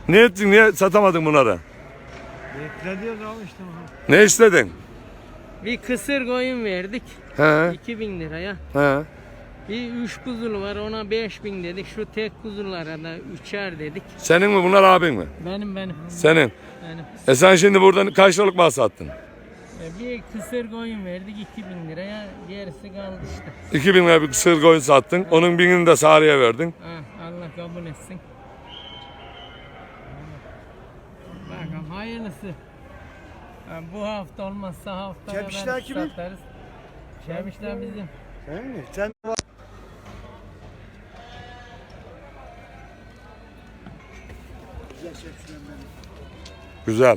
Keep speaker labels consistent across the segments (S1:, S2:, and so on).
S1: Ne ettin? Niye satamadın bunları?
S2: Beklediyoruz abi işte.
S1: Ne istedin?
S3: Bir kısır koyun verdik.
S1: He.
S3: 2000 liraya.
S1: He.
S3: Bir 3 kuzulu var ona 5000 dedik. Şu tek kuzulara da 3'er dedik.
S1: Senin mi bunlar abin mi?
S3: Benim.
S1: Senin.
S3: Benim.
S1: Sen şimdi buradan kaç liralık mal sattın?
S3: Bir kısır koyun verdik 2000 liraya. Gerisi kaldı işte.
S1: 2000 lira bir sığır koyun sattın. Onun 1000'ini de Sarı'ya verdin.
S3: Ha, Allah kabul etsin. Bakalım hayırlısı. Ha, bu hafta olmazsa haftaya
S2: Çepişler kimin?
S3: satarız. Çepişler bizim.
S2: Sen mi? Sen
S1: Güzel.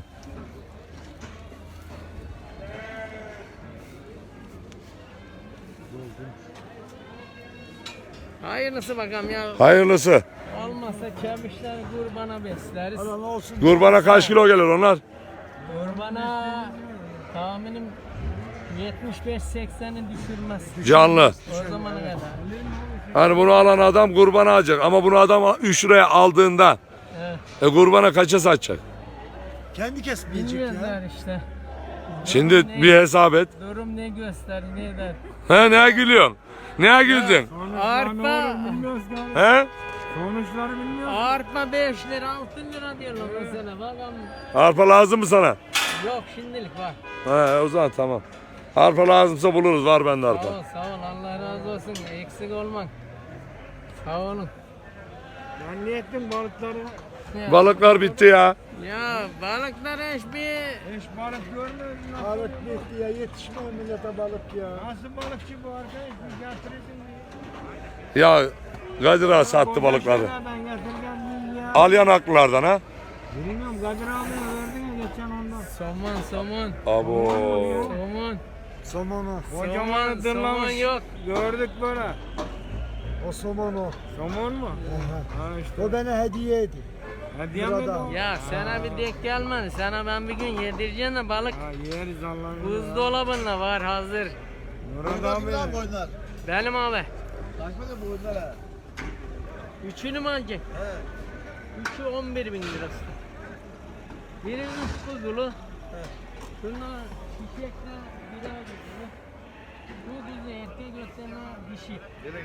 S3: Hayırlısı bakalım ya.
S1: Hayırlısı.
S3: Olmazsa çepişler kurbana besleriz.
S2: Allah olsun.
S1: Kurbana kaç kilo gelir onlar?
S3: Kurbana tahminim 75-80'i düşürmez.
S1: Canlı.
S3: O zamana kadar.
S1: Hani bunu alan adam kurbana alacak. Ama bunu adam 3 liraya aldığında
S3: Evet.
S1: kurbana kaça satacak?
S2: Kendi kesmeyecek ya.
S3: Bilmezler işte.
S1: Şimdi bir hesap et.
S3: Durum ne gösterir ne der.
S1: He ne gülüyorsun? Ne güldün?
S3: Arpa,
S1: He?
S2: Sonuçları bilmiyoruz.
S3: arpa 5 lira 6 lira diyorlar mesela bakalım.
S1: Arpa lazım mı sana?
S3: Yok şimdilik var.
S1: He o zaman tamam. Arpa lazımsa buluruz. Var bende
S3: Sağ
S1: arpa.
S3: ol Allah razı olsun eksik olmak. Sağ olun.
S2: Ben ne ettim balıkları?
S3: Ya,
S1: Balıklar bitti ya.
S3: ya balıklar hiçbir
S2: Hiç balık görmedin mi? Balık bitti ya, yetişmiyor millete balık ya. Nasıl balıkçı bu arkadaş? Bir getirdin mi?
S1: Ya Kadir Ağa sattı balıkları.
S2: Ben getirdim ya.
S1: Al yanaklılardan ha.
S2: Bilmiyorum, Kadir abiye verdin ya geçen ondan.
S3: somon.
S1: Abo.
S3: Somon.
S2: Somonu.
S3: Somon, somon yok.
S2: Gördük böyle. O somon o. Somon mu? Ha işte. O bana hediyeydi. Hediye mi
S3: Ya sana bir denk gelmedi. Sana ben bir gün yedireceğim de balık
S2: Ha yeriz Allah'ın.
S3: buzdolabında var hazır.
S2: Murat abi.
S3: Benim abi.
S2: Kaç para bu oyunlara?
S3: Üçünü mü alacak? Üçü 11.000 lirası. Biri 3 kuzulu. Şunlar çiçekler birer kuzulu. Bu bizi erkek gösterme dişi.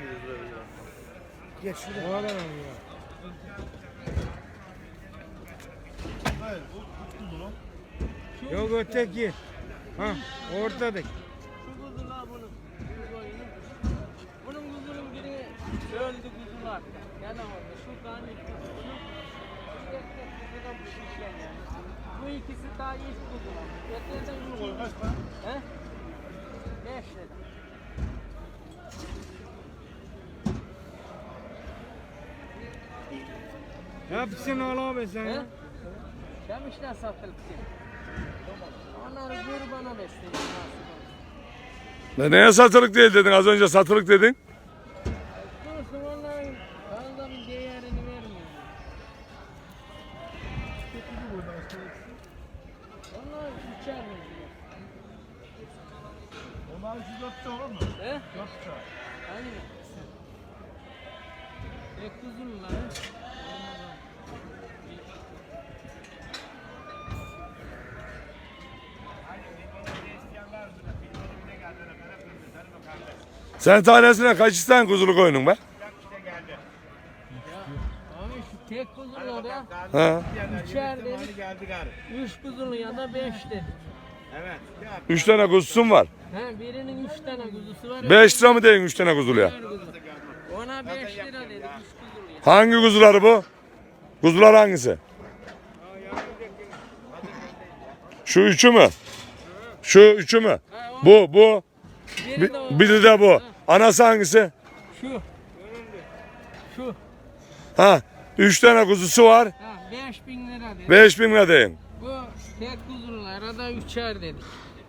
S2: Geç şuraya. O adam ya. Yok öteki. Ha ortadaki.
S3: Şu kuzular bunun. Şu koyunun. Bunun kuzunun biri öldü kuzular. Gene orada. Şu tane kuzu. Şu erkek kuzu da bu şişen yani. Bu ikisi daha ilk kuzular. Öteden bu koyun. Kaç para? He? 5 lira.
S2: Hepsini al abi sen.
S3: He? Çemişler satılık diye. Onları kurbana besleyin.
S1: Neye satılık değil dedin? Az önce satılık dedin.
S3: Dursun onların fazla bir değerini vermiyor. Onlar üçer mi?
S2: Onlar 3-4 olur mu?
S3: He?
S2: 4
S3: Aynı mı? Tek kuzun lan.
S1: Sen tanesine kaç isten kuzulu koyunun be?
S3: Abi şu tek kuzunlar ya.
S1: Ha.
S3: Üçer dedik. Üç kuzulu ya da 5 dedik.
S1: 3 tane kuzusun var.
S3: He birinin 3 tane kuzusu var.
S1: 5 lira mı deyin 3 tane kuzuluya?
S3: Üçer kuzu. Ona 5 lira dedik 3 kuzulu ya.
S1: Hangi kuzuları bu? Kuzular hangisi? Şu üçü mü? Şu üçü mü? Bu.
S3: Biri de o.
S1: Biri de bu. Anası hangisi?
S3: Şu. Şu.
S1: Ha. 3 tane kuzusu var.
S3: Ha 5000 lira dedik.
S1: 5000 lira deyin.
S3: Bu tek kuzulara da 3'er dedik.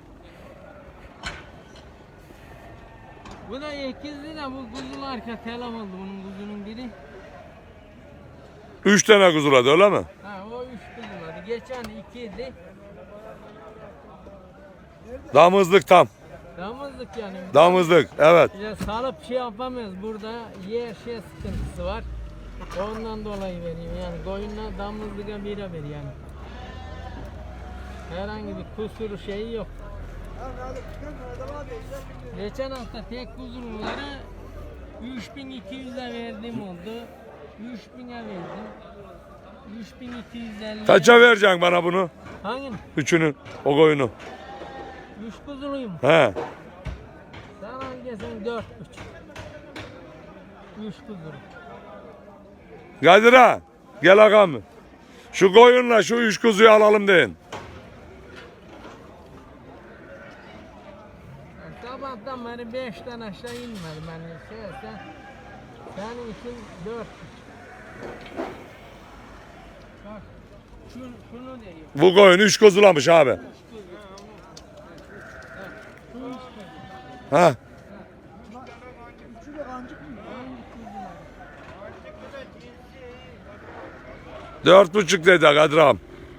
S3: Bu da 8 lira bu kuzulu arka telef oldu bunun kuzunun biri.
S1: 3 tane kuzuladı öyle mi?
S3: Ha o 3 kuzuladı. Geçen 2 idi.
S1: Damızlık tam.
S3: Damızlık yani.
S1: Damızlık evet.
S3: Ya salıp şey yapamıyoruz burada yer şey sıkıntısı var. Ondan dolayı veriyor yani koyunlar damızlığa bira veriyor yani. Herhangi bir kusuru şeyi yok. Geçen hafta tek kuzurulara 3200'e verdim oldu. 3000'e verdim. 3250.
S1: Kaça vereceksin bana bunu?
S3: Hangini?
S1: Üçünü, o koyunu.
S3: 3 kuzuluyum.
S1: He.
S3: Sen hangisini 4,5. 3 kuzulu.
S1: Kadir ağa, gel ağam. Şu koyunla şu 3 kuzuyu alalım deyin.
S3: Sabahtan beri 5'ten aşağı inmedim ben. Senin için 4,5. Bak şunu diyor.
S1: Bu koyun 3 kuzulamış abi. Ha.
S2: Üçü de kancık mı?
S1: 4,5 dedi Kadir ağam.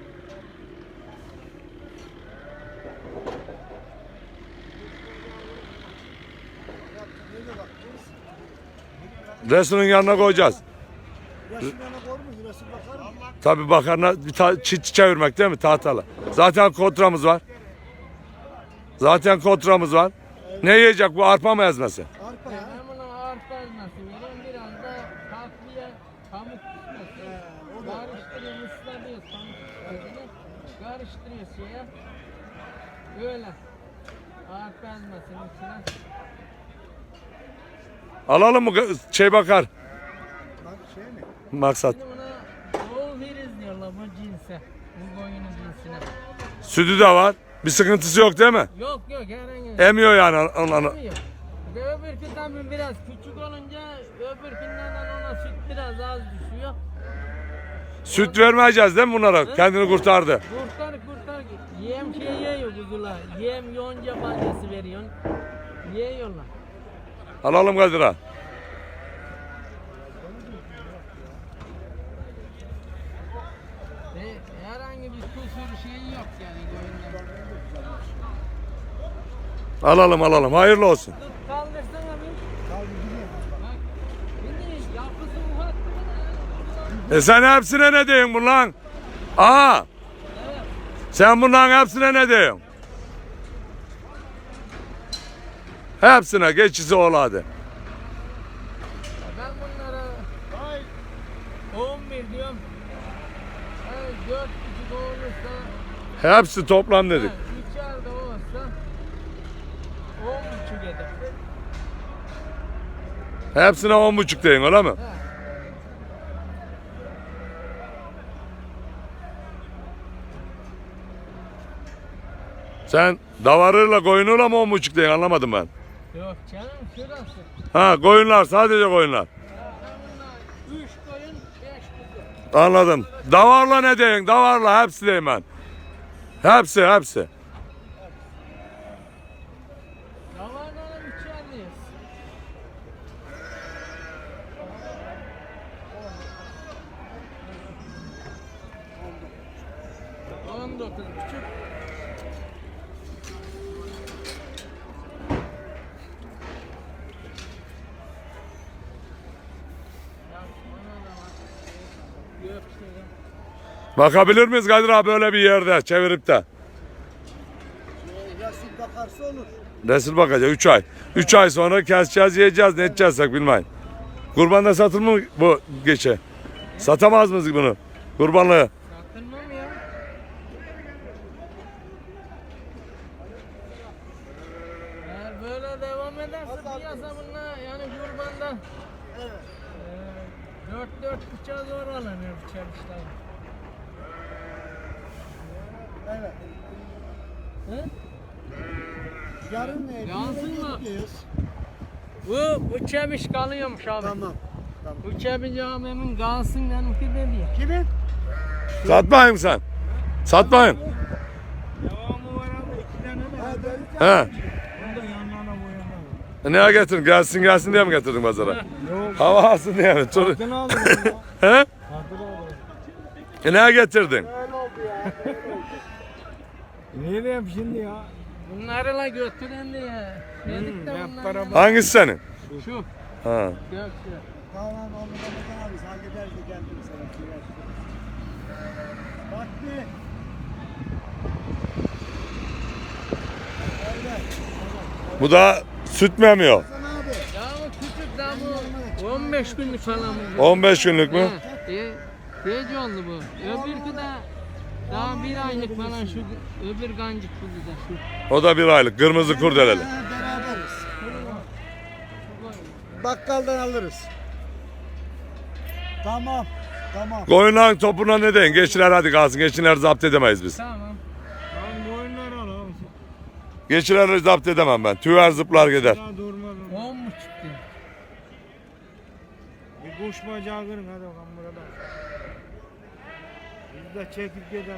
S1: Resinin yanına koyacağız.
S2: Resim yana koymuş, resim bakar mı?
S1: Tabii bakarına bir çit çevirmek değil mi tahtalı? Zaten kontramız var. Zaten kontramız var. Ne yiyecek bu, arpa mı ezmesi?
S2: Arpa ya.
S3: Ben bunu arpa ezmesi veriyorum. Biraz da tatlıya pamuk püskesi. Karıştırıyor, ıslatıyor pamuk püskesini. Karıştırıyor şeye. Böyle. Arpa ezmesinin içine.
S1: Alalım mı şey bakar
S2: Bak şey mi?
S1: maksat.
S3: Şimdi buna doğu firiz diyorlar bu cinse. Bu koyunun cinsine.
S1: Sütü de var. Bir sıkıntısı yok değil mi?
S3: Yok herhangi bir
S1: Emiyor yani onları.
S3: Yok. Öbürkü tabii biraz küçük olunca öbürkünden ona süt biraz az düşüyor.
S1: Süt vermeyeceğiz değil mi bunlara? Kendini kurtardı.
S3: Kurtar. Yem şey yiyor kuzular. Yem yonca balyası veriyorsun. Yiyorlar.
S1: Alalım Kadir ağa.
S3: Ve herhangi bir kusur şeyi yok yani koyunlar.
S1: Alalım. Hayırlı olsun.
S3: Tut kaldırsana bir.
S2: Kaldı gidiyor.
S3: Bak. Şimdi yapısı ufak mı?
S1: Sen hepsine ne diyorsun bundan? Aa.
S3: Evet.
S1: Sen bunların hepsine ne diyorsun? Hepsine geçisi ol hadi.
S3: Ben bunlara 11 diyorum. 4,5 olursa
S1: Hepsi toplam dedik.
S3: 3'er de olsa 10,5 eder.
S1: Hepsine 10,5 deyin öyle mi?
S3: He.
S1: Sen davarıyla koyunuyla mı 10,5 deyin, anlamadım ben.
S3: Yok canım şurası.
S1: Ha, koyunlar, sadece koyunlar.
S3: Bunlar 3 koyun 5 kuzu.
S1: Anladım. Davarla ne deyin? Davarla hepsi deyin ben. Hepsi.
S3: Davarların 3'erdeyiz. $19,5.
S1: Bakabilir miyiz Kadir abi böyle bir yerde çevirip de?
S2: Resim bakarsa olur.
S1: Resul bakacak 3 ay. 3 ay sonra keseceğiz, yiyeceğiz, ne edeceğiz bilmeyin. Kurbanda satılır mı bu geçe? Satamaz mıyız bunu? Kurbanlığı.
S3: Satılmam ya. Eğer böyle devam ederse piyasa bunlar yani kurbanda 4,5'a zor alınır çalışlar.
S2: Evet.
S3: Hı?
S2: Yarın ne?
S3: Yansın mı?
S2: Gidiyoruz.
S3: Bu çemiş kalıyormuş abi.
S2: Tamam.
S3: Bu çemiş abimin kalsın benimki dedi.
S2: Kimin?
S1: Satmayın sen. Satmayın.
S2: Devamı var abi. 2 tane mi?
S1: He.
S2: Bunda yanlarına boyanlar.
S1: Neye getirdin? Gelsin diye mi getirdin pazara?
S2: Yok.
S1: Hava alsın diye mi? Tur-
S2: Satın aldım ya.
S1: He?
S2: Satın aldım.
S1: Neye getirdin?
S2: Öyle oldu ya. Ne diyeyim şimdi ya?
S3: Bunları la götüren diye. Dedik de
S2: hep
S3: bunlar.
S2: beraber.
S1: Hangisi senin?
S3: Şu.
S1: Ha.
S3: Gökçe.
S2: Tamam Ramazan abi halleder de geldim sana. Bak bir. Öyle.
S1: Bu da süt mü emiyor?
S2: Hasan abi.
S3: Ya o küçük daha bu 15 günlük falan bu.
S1: 15 günlük mü?
S3: Gece oldu bu. Öbürkü de daha bir aylık falan şu öbür gancık buldu da şu.
S1: O da bir aylık. Kırmızı kurdeleli.
S2: Beraberiz. Bakkaldan alırız. Tamam. Tamam.
S1: Koyunların topuna ne deyin? Geçiler hadi kalsın. Geçiler zapt edemeyiz biz.
S3: Tamam.
S2: Lan boyunlar al abi.
S1: Geçileri zapt edemem ben. Tüver zıplar gider.
S2: Daha durmadım.
S3: 10 mu çıktı?
S2: Bir kuş bacağı kırın hadi bakalım burada. Biz de çekip gidelim.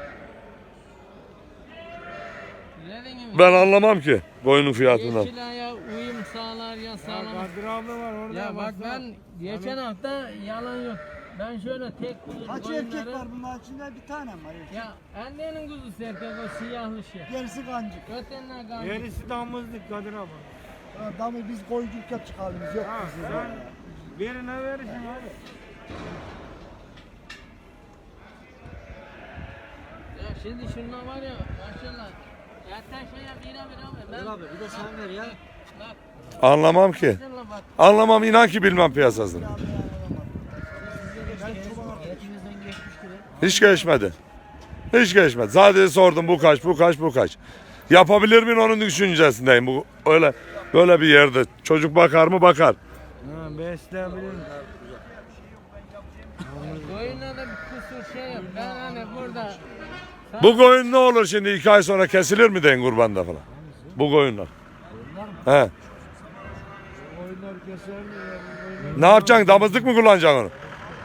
S3: Dediğin gibi.
S1: Ben anlamam ki koyunun fiyatından.
S3: Yeşil ya uyum sağlar ya sağlamaz.
S2: Kadir abi var orada.
S3: Ya bak ben geçen hafta yalan yok. Ben şöyle tek kuzu
S2: Kaç
S3: koyunları-
S2: erkek var bunun içinde bir tane mi var? Erkek?
S3: Ya annenin kuzusu erkek o siyahlı şey.
S2: Gerisi kancık.
S3: Ötenler gancık.
S2: Gerisi damızlık Kadir abi. Damı biz koyuculuk yapacak halimiz yok. Sen birine verirsin abi.
S3: Ya şimdi şunlar var ya maşallah. Zaten şeye bira ver.
S2: abi bir de sen ver ya.
S3: Bak
S1: Anlamam ki.
S3: şuna bak.
S1: Anlamam inan ki bilmem piyasasını. Hiç geçmedi. Hiç geçmedi. Sadece sordum bu kaç, bu kaç, bu kaç. Yapabilir miyim onun düşüncesindeyim. Bu öyle böyle bir yerde. Çocuk bakar mı? Bakar.
S2: Ha besleyebilirim.
S3: Koyunlarda bir kusur şey yok. Ben hani burada
S1: Bu koyun ne olur şimdi 2 ay sonra kesilir mi deyin kurbanda falan? Bu koyunlar. He.
S2: Oyunlar keser mi?
S1: Ne yapacaksın? Damızlık mı kullanacaksın onu?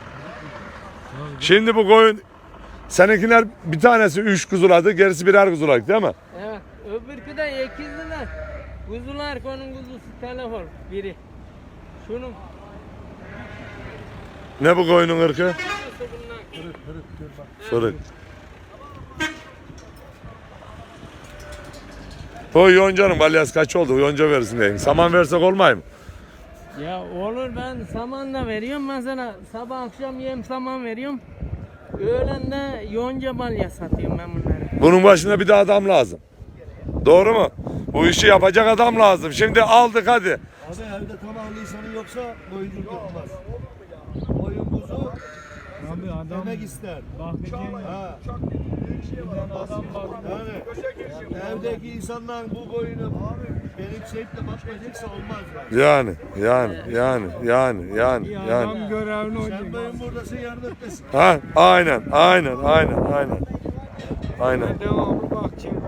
S1: Şimdi bu koyun seninkiler bir tanesi 3 kuzuladı, gerisi birer kuzuladı değil mi?
S3: evet. Öbürkü de ikizliler. Kuzular konun kuzusu telefon biri. Şunun
S1: Ne bu koyunun ırkı?
S3: kuzusu bunlar.
S1: Fırık. O yoncanın balyası kaç oldu? Yonca verirsin deyin. Saman versek olmay mı?
S3: Ya olur ben saman da veriyorum mesela sabah akşam yem saman veriyorum. Öğlen de yonca balya satıyorum ben bunları.
S1: Bunun başında bir de adam lazım. Doğru mu? Bu işi yapacak adam lazım. Şimdi aldık hadi.
S2: Abi evde tamamlı insanı yoksa boyunculuk yapamaz. Boyun kuzu abi adam emek ister. Ha. Adam bak. Yani evdeki insanlar bu boyunu benimseyip de bakmayacaksa olmaz yani.
S1: Yani.
S2: Görevli olacak. Sen benim buradasın yardım etmesin.
S1: Ha, aynen.
S2: Devamlı bakacağım.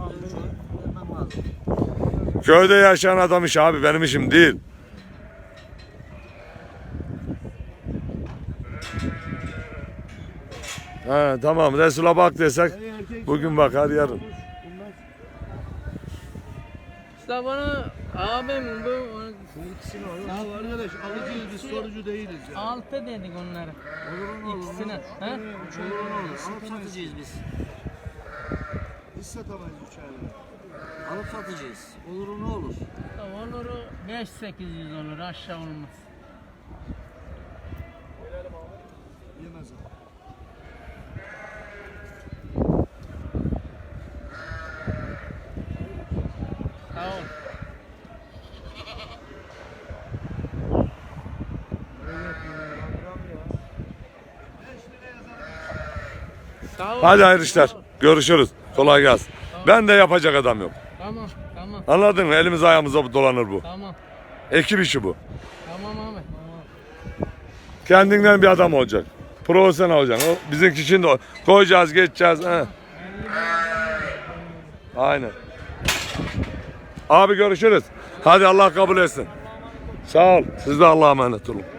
S1: Köyde yaşayan adam işi abi, benim işim değil. Ha, tamam Resul'a bak desek bugün bakar yarın.
S3: İşte bana abim bu
S2: Arkadaş alıcıyız biz sorucu değiliz ya.
S3: 6 dedik onlara. İkisine. Ha?
S4: Alıp satacağız biz.
S2: Biz satamayız 3 ayda.
S4: Alıp satacağız. Olur ne olur.
S3: Olur 5-800 olur aşağı olmaz.
S2: Yemez abi.
S3: Sağ ol. Sağ ol.
S1: Hadi hayırlı işler. Görüşürüz. Kolay gelsin. Ben de yapacak adam yok.
S3: Tamam.
S1: Anladın mı? Elimiz ayağımıza dolanır bu.
S3: Tamam.
S1: Ekip işi bu.
S3: Tamam abi.
S1: Kendinden bir adam olacak. Profesyonel olacaksın. O bizimki şimdi koyacağız, geçeceğiz. He. Aynen. Abi görüşürüz. Hadi Allah kabul etsin. Sağ ol. Siz de Allah'a emanet olun.